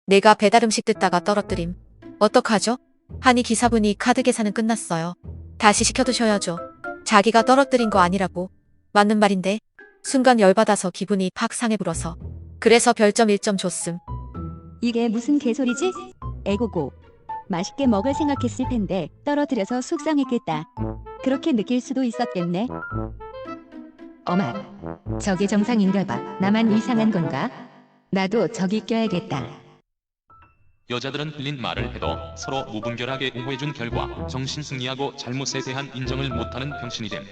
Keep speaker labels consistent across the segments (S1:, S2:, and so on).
S1: 내가 배달 음식 뜯다가 떨어뜨림. 어떡하죠? 하니 기사분이 카드 계산은 끝났어요. 다시 시켜두셔야죠. 자기가 떨어뜨린 거 아니라고. 맞는 말인데. 순간 열받아서 기분이 팍 상해 불어서. 그래서 별점 1점 줬음.
S2: 이게 무슨 개소리지? 에고고. 맛있게 먹을 생각했을 텐데 떨어뜨려서 속상했겠다. 그렇게 느낄 수도 있었겠네. 어마, 저게 정상인가 봐. 나만 이상한 건가? 나도 저기 껴야겠다.
S3: 여자들은 틀린 말을 해도 서로 무분별하게 옹호해준 결과 정신승리하고 잘못에 대한 인정을 못하는 병신이 됨.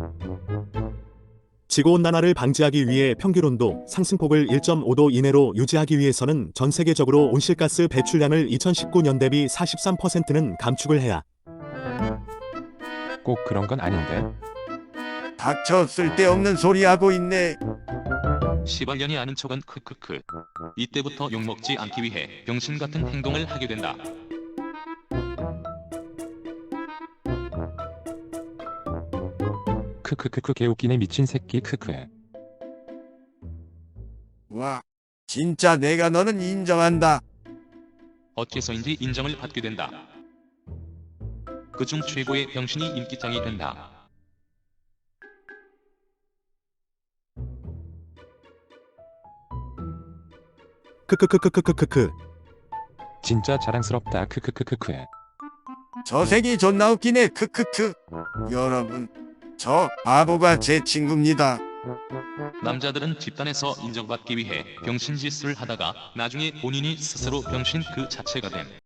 S4: 지구온난화를 방지하기 위해 평균온도 상승폭을 1.5도 이내로 유지하기 위해서는 전 세계적으로 온실가스 배출량을 2019년 대비 43%는 감축을 해야.
S5: 꼭 그런 건 아닌데.
S6: 닥쳐 쓸데없는 소리 하고 있네.
S3: 시발년이 아는 척은 크크크. 이때부터 욕먹지 않기 위해 병신 같은 행동을 하게 된다.
S5: 크크크크 개웃기네 미친 새끼 크크.
S6: 와, 진짜 내가 너는 인정한다.
S3: 어째서인지 인정을 받게 된다. 그중 최고의 병신이 인기짱이 된다.
S4: 크크크크크크크크.
S5: 진짜 자랑스럽다 크크크크크.
S6: 저 새끼 존나 웃기네. 크크크. 여러분, 저 바보가 제 친구입니다.
S3: 남자들은 집단에서 인정받기 위해 병신짓을 하다가 나중에 본인이 스스로 병신 그 자체가 됨.